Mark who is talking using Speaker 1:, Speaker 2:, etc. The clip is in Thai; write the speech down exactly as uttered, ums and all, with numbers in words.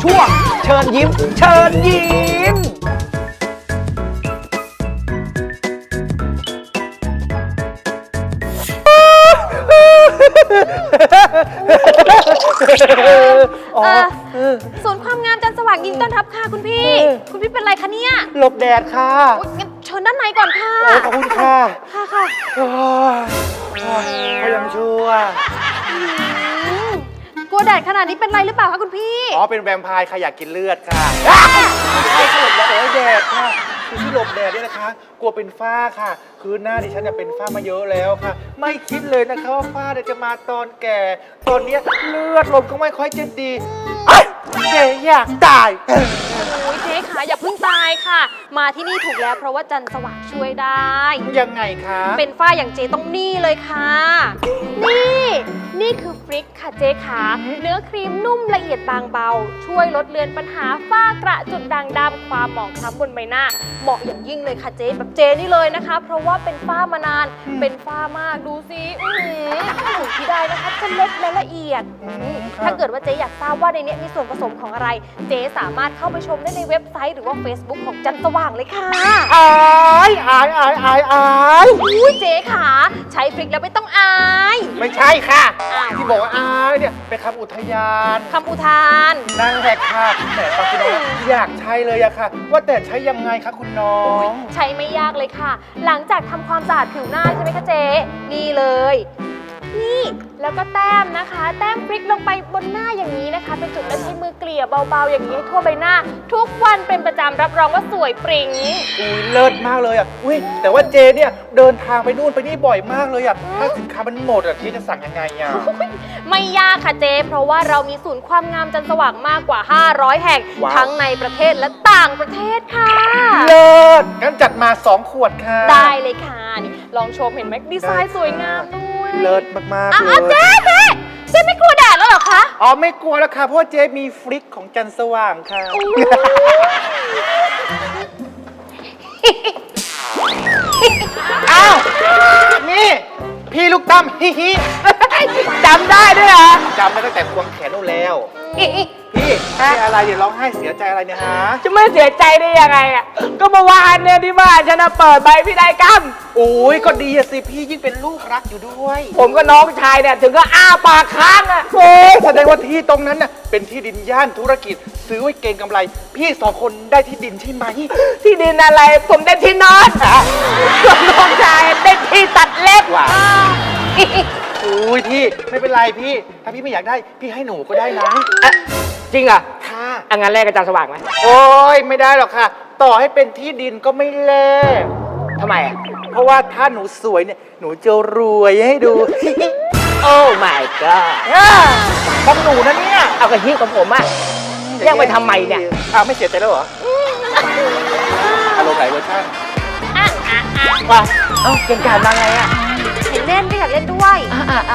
Speaker 1: ช่วงเชิญยิ้มเชิญยิ้ม
Speaker 2: เออศูนย์ความงามจันทร์สว่างยินดีต้อนรับค่ะคุณพี่ คุณพี่เป็นไรคะเนี่ย
Speaker 1: หลบแดดค่ะ
Speaker 2: โอ๊ยงั้นเชิญด้านในก่อนค่ะ
Speaker 1: โอ้ขอบคุณค่ะ
Speaker 2: ค่ะค่ะ
Speaker 1: โอ้ยเขายังชั่ว
Speaker 2: อืมกลัวแดดขนาดนี้เป็นไรหรือเปล่าคะคุณพี่
Speaker 1: อ๋อเป็นแวมไพร์ค่ะอยากกินเลือดค่ะใช่ค่ะหลบแดดโอ้ยแดดค่ะคือที่หลบแดดเนี่ยนะคะ กลัวเป็นฝ้าค่ะ คือหน้าดิฉันเนี่ยเป็นฝ้ามาเยอะแล้วค่ะ ไม่คิดเลยนะคะว่าฝ้าเนี่ยจะมาตอนแก่ ตอนเนี้ยเลือดลมก็ไม่ค่อยจะดีเอ้ยเจ๊อยากตาย
Speaker 2: โอ้ยเจ๊ขาอย่าเพิ่งตายค่ะ มาที่นี่ถูกแล้วเพราะว่าจันทร์สว่างช่วยได้
Speaker 1: ยังไงคะ
Speaker 2: เป็นฝ้าอย่างเจต้องนี่เลยค่ะ นี่ นี่คือฟริกค่ะเจ๊ขาเนื้อครีมนุ่มละเอียดบางเบา ช่วยลดเลือนปัญหาฝ้ากระจุดด่างดำความหมองคล้ำบนใบหน้า เหมาะอย่างยิ่งเลยค่ะเจ๊แบบเจนี่เลยนะคะ เพราะว่าเป็นฝ้ามานาน เป็นฝ้ามากดูสิอื้อหือถูกที่ได้นะคะจะเล็กและละเอียดอืมถ้าเกิดว่าเจ๊อยากทราบว่าในนี้มีส่วนผสมของอะไร เจ๊สามารถเข้าไปชมได้ในเว็บไซต์หรือว่า Facebook ของจันทร์สว่างเลยค่ะ
Speaker 1: อายอายอายอายอาย
Speaker 2: อุ้ยเจ๊ขาใช้ฟริกแล้วไม่ต้องอาย
Speaker 1: ไม่ใช่ค่ะ
Speaker 2: อ้าว
Speaker 1: ที่บอกว่าอายเนี่ยเป็นคำอุทยาน
Speaker 2: คำอุทาน
Speaker 1: นั่งแหกค่ะแต่ตอนคุณน้องอยากใช้เลยอะค่ะ ว่าแต่ใช้ยังไงคะคุณน้อง
Speaker 2: ใช้ไม่ยากเลยค่ะ หลังจากทำความสะอาดผิวหน้าใช่ไหมคะเจ๊นี่เลย นี่แล้วก็แต้มนะคะ แต้มพริกลงไปบนหน้าอย่างนี้นะคะ เป็นจุดแล้วใช้มือเกลี่ยเบาๆอย่างนี้ให้ทั่วใบหน้า ทุกวันเป็นประจำรับรองว่าสวยปริง
Speaker 1: อุ้ยเลิศมากเลยอ่ะ อุ้ยแต่ว่าเจเนี่ยเดินทางไปนู่นไปนี่บ่อยมากเลยอ่ะ ถ้าสินค้ามันหมดอ่ะเจจะสั่งยังไงอ่ะ
Speaker 2: ไม่ยากค่ะเจ๊เพราะว่าเรามีศูนย์ความงามจันทร์สว่างมากกว่า ห้าร้อย แห่ง
Speaker 1: ว้าว
Speaker 2: ทั้งในประเทศและต่างประเทศค่ะ
Speaker 1: เลิศงั้นจัดมาสองขวดค่ะ
Speaker 2: ได้เลยค่ะนี่ลองชมเห็นไหมดีไซน์สวยงามด้วย
Speaker 1: เลิศมากๆ
Speaker 2: อ้า
Speaker 1: เล
Speaker 2: วย เจ๊เจ๊เจ๊ไม่กลัวแดดแล้วเหรอคะ
Speaker 1: อ๋อไม่กลัวแล้วค่ะเพราะว่าเจมีฟลิกของจันทร์สว่างค่ะ อ้าว นี่ พี่ลูกตั้มฮิฮิ
Speaker 3: จำได้ด้วยเหรอ
Speaker 1: จำได้ตั้งแต่ควงแขนนู่นแล้ว พี่พี่อะไรเดี๋ยวร้องไห้เสียใจอะไรเนี่ยฮะ
Speaker 3: จะไม่เสียใจได้ยังไงอ่ะ ก็เมื่อวานเนี่ยที่บ้านฉันน่ะเปิดใบพินัยกรรม
Speaker 1: โอ้ยก็ดีอะสิพี่ยิ่งเป็นลูกรักอยู่ด้วย
Speaker 3: ผมกับน้องชายเนี่ยถึงก็อ้าปากค้างอ่ะ
Speaker 1: โอ้ยแสดงว่าที่ตรงนั้นน่ะเป็นที่ดินย่านธุรกิจ ซื้อไว้เก็งกำไร พี่สองคนได้ที่ดินใช่ไหม
Speaker 3: ที่ดินอะไร ผมได้ที่นอนส่วนน้องชายได้ที่ตัดเล็บ
Speaker 1: ว้าวโอ้ยพี่ไม่เป็นไรพี่ ถ้าพี่ไม่อยากได้พี่ให้หนูก็ได้นะ
Speaker 3: อ่ะจริงเหรอ่ะ
Speaker 1: ค่ะ
Speaker 3: อ่ะงั้นแรกกับจานสว่างไหม
Speaker 1: โอ้ยไม่ได้หรอกค่ะ ต่อให้เป็นที่ดินก็ไม่แลก
Speaker 3: ทำไมอ่ะ
Speaker 1: เพราะว่าถ้าหนูสวยเนี่ยหนูจะรวยให้ดู
Speaker 3: โอ้ my god
Speaker 1: ของหนูนะเนี่ย
Speaker 3: เอากระที่ของผมอ่ะแยกไปทำไมเนี่ย
Speaker 1: อ้าวไม่เสียใจแล้วเหรออารมณ์ไหนเวอร์ชัน
Speaker 2: อ่ะอ่ะอ่ะ
Speaker 3: ว่าเอ้าเก่งกาจมาไงอ่ะ
Speaker 2: เห็นเล่นก็อยากเล่นด้วย